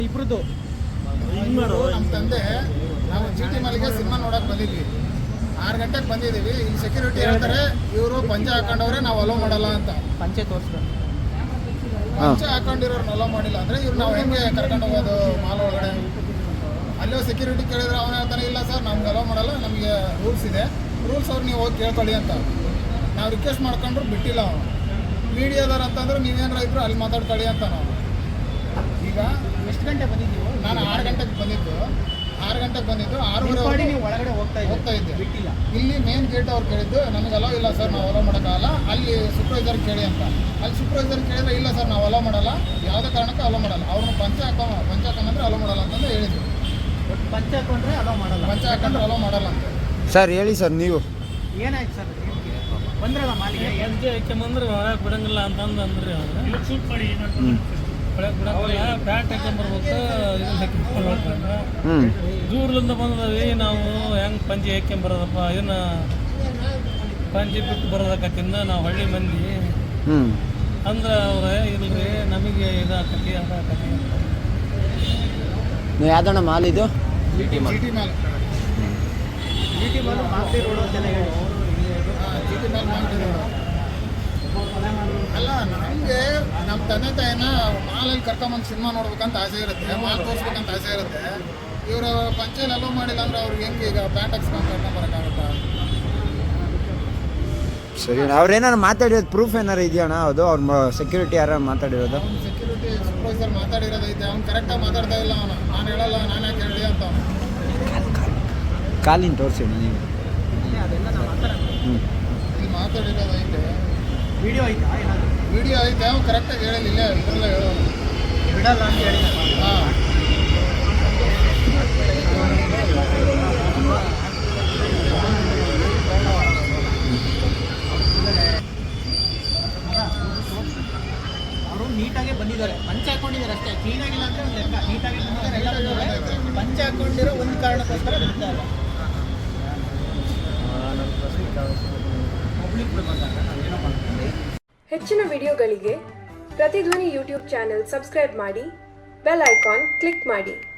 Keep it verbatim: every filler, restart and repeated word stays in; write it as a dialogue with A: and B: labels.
A: ಇಬ್ರದ್ದು
B: ನಮ್ಮ ತಂದೆ ನಾವು ಜಿ ಟಿ ಮಾಲಿಗೆ ಸಿನಿಮಾ ನೋಡಕ್ ಬಂದಿದ್ವಿ. ಆರು ಗಂಟೆಗೆ ಬಂದಿದ್ದೀವಿ. ಇಲ್ಲಿ ಸೆಕ್ಯೂರಿಟಿ ಹೇಳ್ತಾರೆ ಇವರು ಪಂಚ ಹಾಕೊಂಡವ್ರೆ ನಾವು ಅಲೋ ಮಾಡಲ್ಲ ಅಂತ.
A: ಪಂಚೆ ತೋರಿಸ್ತಾರೆ.
B: ಪಂಚ ಹಾಕೊಂಡಿರೋರ್ನ ಅಲೋ ಮಾಡಿಲ್ಲ ಅಂದರೆ ಇವ್ರು ನಾವು ಹೆಂಗೆ ಕರ್ಕೊಂಡು ಹೋಗೋದು ಮಾಲ್ ಒಳಗಡೆ? ಅಲ್ಲೋ ಸೆಕ್ಯೂರಿಟಿ ಕೇಳಿದ್ರೆ ಅವನು ಹೇಳ್ತಾನೆ ಇಲ್ಲ ಸರ್ ನಮ್ಗೆ ಅಲೋ ಮಾಡಲ್ಲ, ನಮಗೆ ರೂಲ್ಸ್ ಇದೆ, ರೂಲ್ಸ್ ಅವ್ರು ನೀವು ಹೋಗಿ ಕೇಳ್ಕೊಳ್ಳಿ ಅಂತ. ನಾವು ರಿಕ್ವೆಸ್ಟ್ ಮಾಡ್ಕೊಂಡ್ರು ಬಿಟ್ಟಿಲ್ಲ ಅವನು. ಮೀಡಿಯಾದವ್ರು ಅಂತಂದ್ರೆ ನೀವೇನಾರ ಇದ್ರು ಅಲ್ಲಿ ಮಾತಾಡ್ಕೊಳ್ಳಿ ಅಂತ ನಾವು. ಈಗ
A: ಎಷ್ಟು ಗಂಟೆ ಬಂದಿದ್ದೀವಿ?
B: ನಾನು ಆರು ಗಂಟೆಗೆ ಬಂದಿದ್ದು ಆರು ಗಂಟೆಗೆ ಬಂದಿದ್ದು ಆರೂವರೆ
A: ನೀವು ಒಳಗಡೆ ಹೋಗ್ತಾ
B: ಹೋಗ್ತಾ ಇದ್ದೆ.
A: ಬಿಟ್ಟಿಲ್ಲ.
B: ಇಲ್ಲಿ ಮೇನ್ ಗೇಟ್ ಅವ್ರು ಕೇಳಿದ್ದು ನಮಗೆ ಅಲೋ ಇಲ್ಲ ಸರ್, ನಾವು ಅಲೋ ಮಾಡೋಕ್ಕಾಗಲ್ಲ, ಅಲ್ಲಿ ಸೂಪರ್ವೈಸರ್ ಕೇಳಿ ಅಂತ. ಅಲ್ಲಿ ಸೂಪರ್ವೈಸರ್ ಕೇಳಿದ್ರೆ ಇಲ್ಲ ಸರ್ ನಾವು ಅಲೋ ಮಾಡಲ್ಲ, ಯಾವುದೇ ಕಾರಣಕ್ಕೂ ಅಲೋ ಮಾಡಲ್ಲ, ಅವ್ರನ್ನ ಪಂಚ ಹಾಕೋ ಪಂಚ ಹಾಕೊಂಡ್ರೆ ಅಲೋ ಮಾಡಲ್ಲ ಅಂತಂದು ಹೇಳಿದ್ರು.
A: ಪಂಚ ಹಾಕೊಂಡ್ರೆ ಅಲೋ ಮಾಡಲ್ಲ,
B: ಪಂಚ ಹಾಕೊಂಡ್ರೆ ಅಲೋ ಮಾಡಲ್ಲ ಅಂತ.
C: ಸರ್ ಹೇಳಿ ಸರ್ ನೀವು
A: ಏನಾಯ್ತು ಸರ್? ಬಂದ್ರಲ್ಲ ಮಾಲಿಗೆ
D: ಪಂಚೆ ಹಾಕ್ಯಂಬಂದ್ರೆ ಹೊರಗೆ ಬಿಡಂಗಿಲ್ಲ ಅಂತಂದು ಅಂದ್ರಿ ಅವ್ರು. ಶೂಟ್ ಮಾಡಿ ಒಳಗೆ ಬಿಡಂಗಿಲ್ಲ, ಪ್ಯಾಂಟ್ ಹಾಕ್ಯಂಬರ್ಬೇಕು, ಇದನ್ನ ಹಾಕ್ಯಂಬರ್ಬೇಕಂದ್ರೆ ದೂರದಿಂದ ಬಂದವಿ ನಾವು ಹೆಂಗೆ ಪಂಚೆ ಹಾಕ್ಯಂಬರೋದಪ್ಪ, ಇದನ್ನ ಪಂಚೆ ಬಿಟ್ಟು ಬರೋದಕ್ಕತ್ತಿಂದ ನಾವು ಹಳ್ಳಿ ಮಂದಿ ಅಂದ್ರೆ ಅವ್ರೆ ಇಲ್ರಿ ನಮಗೆ ಇದಾಕತಿ ಅದಾಕತಿ ಅಂತ.
C: ಯಾವ್ದಣ್ಣ ಮಾಲ್ ಇದು?
B: G T mall.
A: G T mall Masti road ಅಂತೆಲ್ಲ ಹೇಳಿ.
B: ಜಿ ಟಿ ಮಾಲ್ ಮಾಡ್ತಿದ್ರು. ಅಲ್ಲ ನಮಗೆ ನಮ್ಮ ತಂದೆ ತಾಯಿನ ಮಾಲಲ್ಲಿ ಕರ್ಕೊಂಬಂದು ಸಿನಿಮಾ ನೋಡ್ಬೇಕಂತ ಆಸೆ ಇರುತ್ತೆ, ಮಾಲ್ ತೋರಿಸ್ಬೇಕಂತ ಆಸೆ ಇರುತ್ತೆ. ಇವರು ಪಂಚೆಯಲ್ಲಿ ಅಲೋ ಮಾಡಿಲ್ಲ ಅಂದ್ರೆ ಅವ್ರಿಗೆ ಹೆಂಗೆ ಈಗ ಪ್ಯಾಂಟ್ ಹಾಕ್ಸ್ಕೊಂಡು ಕರ್ಕೊಂಡು ಬರೋಕ್ಕಾಗುತ್ತಾ?
C: ಸರಿ, ಅವ್ರೇನಾರು ಮಾತಾಡಿರೋದು ಪ್ರೂಫ್ ಏನಾರು ಇದೆಯಣ್ಣ? ಅದು ಅವ್ರ ಸೆಕ್ಯೂರಿಟಿ ಯಾರು ಮಾತಾಡಿರೋದು?
B: ಅವ್ನು ಸೆಕ್ಯೂರಿಟಿ ಸೂಪರ್ವೈಸರ್ ಮಾತಾಡಿರೋದೈತೆ, ಅವ್ನು ಕರೆಕ್ಟಾಗಿ ಮಾತಾಡ್ತಾ ಇಲ್ಲ. ಅವನು ನಾನು ಹೇಳಲ್ಲ, ನಾನು ಯಾಕೆ ಹೇಳಿ ಅಂತ ಅವನು.
C: ಕಾಲಿನ ತೋರಿಸಿ ನೀವು.
A: ಅದೆಲ್ಲ ನಾವು ಮಾತಾಡೋಣ.
C: ಹ್ಞೂ
B: ಇಲ್ಲಿ ಮಾತಾಡಿರೋದೈತೆ,
A: ವಿಡಿಯೋ ಐತಾ ಏನಾದರೂ?
B: ವಿಡಿಯೋ ಐತೆ, ಅವ್ನು ಕರೆಕ್ಟಾಗಿ ಹೇಳಿಲ್ಲ, ಇದರಲ್ಲೇ ಹೇಳೋನು
A: ಬಿಡಲ್ಲ ಅಂತ ಹೇಳಿ.
B: ಹಾಂ
A: ಅವರು ನೀಟಾಗೆ ಬಂದಿದ್ದಾರೆ, ಪಂಚ ಹಾಕೊಂಡಿದ್ದಾರೆ ಅಷ್ಟೇ, ಕ್ಲೀನಾಗಿಲ್ಲ ಅಂದರೆ ಒಂದು ಲೆಕ್ಕ. ನೀಟಾಗಿ ಬಂದಿದ್ದಾರೆ, ಎಲ್ಲ ಬಂದಿದ್ದಾರೆ. ಪಂಚ ಹಾಕೊಂಡಿರೋ ಒಂದು ಕಾರಣಕ್ಕೋಸ್ಕರ ಬಿಡ್ತಾ ಇಲ್ಲ.
E: ಹೆಚ್ಚಿನ ವಿಡಿಯೋಗಳಿಗೆ ಪ್ರತಿಧ್ವನಿ ಯೂಟ್ಯೂಬ್ ಚಾನೆಲ್ ಸಬ್ಸ್ಕ್ರೈಬ್ ಮಾಡಿ, ಬೆಲ್ ಐಕಾನ್ ಕ್ಲಿಕ್ ಮಾಡಿ.